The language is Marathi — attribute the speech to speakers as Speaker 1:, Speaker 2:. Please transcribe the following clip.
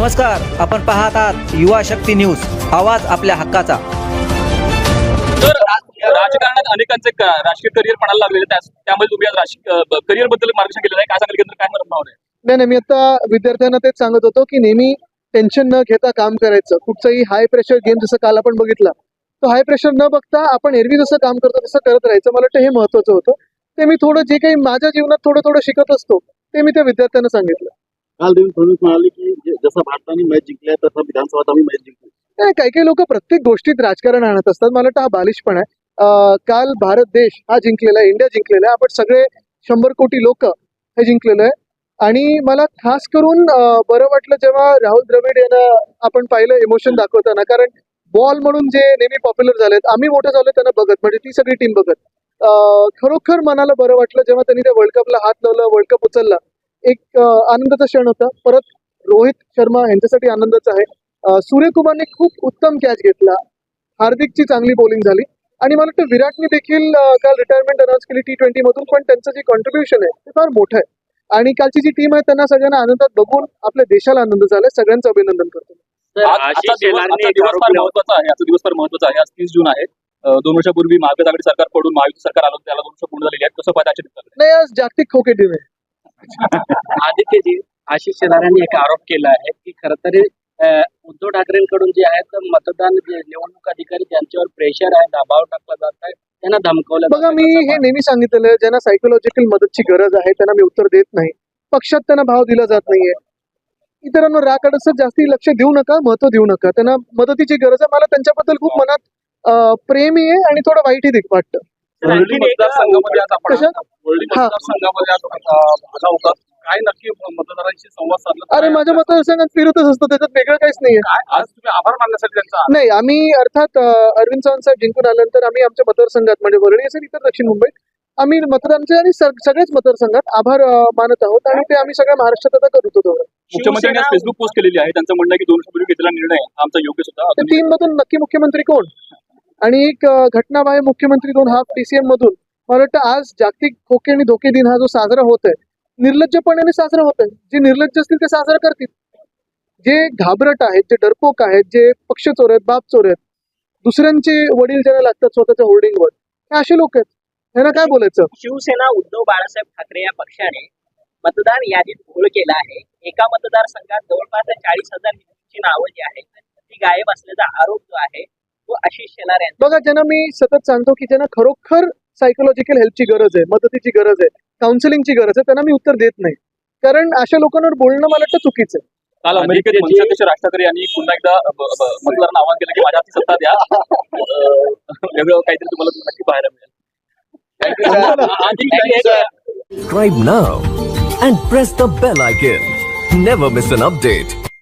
Speaker 1: नमस्कार, आपण पाहत आहात युवा शक्ती न्यूज, आवाज आपल्या हक्काचा.
Speaker 2: तर राजकारणात अनेकांचे राजकीय करिअर पणाला लागलेले त्यामुळे तुम्ही आज राजकीय करिअर बद्दल मार्गदर्शन केलेलं आहे. काय सांगाल केंद्र काय म्हणत आहे?
Speaker 3: नाही, मी आता विद्यार्थ्यांना तेच सांगत होतो की नेहमी टेन्शन न घेता काम करायचं. कुठचंही हाय प्रेशर गेम जसं काल आपण बघितला, तो हाय प्रेशर न बघता आपण एरवी जसं काम करतो तसं करत राहायचं. मला वाटतं हे महत्वाचं होतं. ते मी थोडं जे काही माझ्या जीवनात थोडं थोडं शिकत असतो ते मी त्या विद्यार्थ्यांना सांगितलं.
Speaker 4: काल देवेंद्र फडणवीस म्हणाले की जसं भारताने मॅच जिंकल्या तसं विधानसभेत आम्ही मॅच जिंकू.
Speaker 3: काही काही लोक प्रत्येक गोष्टीत राजकारण आणत असतात. मला वाटतं हा बालिशपणा आहे. काल भारत देश हा जिंकलेला आहे, इंडिया जिंकलेला आहे. आपण सगळे 100 कोटी लोक हे जिंकलेलं आहे. आणि मला खास करून बरं वाटलं जेव्हा राहुल द्रविड यांना आपण पाहिलं इमोशन दाखवताना. कारण बॉल म्हणून जे नेहमी पॉप्युलर झालेत, आम्ही मोठे झालो त्यांना बघत, म्हणजे ती सगळी टीम बघत. खरोखर मनाला बरं वाटलं जेव्हा त्यांनी त्या वर्ल्ड कपला हात लावला, वर्ल्ड कप उचलला. एक आनंदाचा क्षण होता. परत रोहित शर्मा यांच्यासाठी आनंदाचा आहे. सूर्यकुमारने खूप उत्तम कॅच घेतला. हार्दिकची चांगली बॉलिंग झाली. आणि मला वाटतं विराटने देखील काल रिटायरमेंट अनाऊन्स केली T20 मधून, पण त्यांचं जे कॉन्ट्रीब्युशन आहे ते फार मोठं आहे. आणि कालची जी टीम आहे त्यांना सगळ्यांना आनंदात बघून आपल्या देशाला आनंद झालाय. सगळ्यांचं अभिनंदन करतो.
Speaker 2: आजचा दिवस फार महत्वाचा आहे. आजचा दिवस फार महत्वाचा आहे. आज 30 जून आहे. 2 वर्षापूर्वी महाविकास आघाडी सरकार पडून महायुती सरकार आलं, त्याला 2 वर्ष पूर्ण झालेली आहेत. कसं पाहता आजच्या दिवसात?
Speaker 3: नाही, आज जागतिक खो खो दिन आहे.
Speaker 5: आदित्यजी, आशिष शेलारांनी एक आरोप केला आहे की खरं तर उद्धव ठाकरेंकडून जे आहेत मतदान जे निवडणूक अधिकारी त्यांच्यावर प्रेशर आहे, दबाव टाकला जात आहे, त्यांना धमकवलं.
Speaker 3: बघा, मी हे नेहमी सांगितलेलं आहे, ज्यांना सायकोलॉजिकल मदतची गरज आहे त्यांना मी उत्तर देत नाही. पक्षात त्यांना भाव दिला जात नाहीये. इतरांना राग अडसत जास्ती लक्ष देऊ नका, महत्व देऊ नका. त्यांना मदतीची गरज आहे. मला त्यांच्याबद्दल खूप मनात प्रेमही आहे आणि थोडं वाईटही वाटतं.
Speaker 2: वरळी मतदारसंघामध्ये आज आपण वरळी मतदारसंघामध्ये आज आला होता. काय नक्की मतदारांशी संवाद साधला?
Speaker 3: अरे, माझ्या मतदारसंघात फिरतच असतं, त्याच्यात वेगळं काहीच नाहीये.
Speaker 2: आज तुम्ही आभार मानण्यासाठी त्यांचा
Speaker 3: नाही, आम्ही अर्थात अरविंद चव्हाण साहेब जिंकून आल्यानंतर आम्ही आमच्या मतदारसंघात म्हणजे वरळी असेल इतर दक्षिण मुंबईत आम्ही मतदारांचे आणि सगळ्याच मतदारसंघात आभार मानत आहोत. आणि ते आम्ही सगळ्या महाराष्ट्रात आता करत होतो.
Speaker 2: मुख्यमंत्र्यांनी आज फेसबुक पोस्ट केलेली आहे. त्यांचं म्हणणं आहे की 2 वर्षापूर्वी घेतलेला निर्णय आमचा योग्य सुद्धा.
Speaker 3: त्या 3 मधून नक्की मुख्यमंत्री कोण? आणि एक घटनाबाह्य मुख्यमंत्री 2 हाफ TCM मधून. मला वाटतं आज जागतिक खोके आणि धोके दिन हा जो साजरा होत आहे, निर्लज्जपणाने साजरा होत आहे. जे निर्लज्ज असतील ते साजरा करतील. जे घाबरट आहेत, जे डरपोक आहेत, जे पक्ष चोर आहेत, बाप चोर आहेत, दुसऱ्यांचे वडील ज्यांना लागतात स्वतःच्या होर्डिंगवर, हे असे लोक आहेत. त्यांना काय बोलायचं?
Speaker 5: शिवसेना उद्धव बाळासाहेब ठाकरे या पक्षाने मतदार यादीत घोळ केला आहे. एका मतदारसंघात जवळपास 40,000 हिंदूंची नावं जी आहेत ती गायब असल्याचा आरोप जो आहे तो आशिष शेलार यांचा.
Speaker 3: बघा, ज्यांना मी सतत सांगतो की ज्यांना खरोखर सायकोलॉजिकल हेल्पची गरज आहे, मदतीची गरज आहे, काउन्सिलिंगची गरज आहे, त्यांना मी उत्तर देत नाही. कारण अशा लोकांवर बोलणं मला वाटतं चुकीचं आहे.
Speaker 2: काल अमेरिकेत मनसेअध्यक्ष राज ठाकरे यांनी पुन्हा एकदा मतदारांना आवाहन केलं की माझ्या हाती सत्ता द्या. वेगळं काहीतरी तुम्हाला नक्की पाहायला मिळेल.
Speaker 6: Subscribe now and press the bell icon. Never miss an update.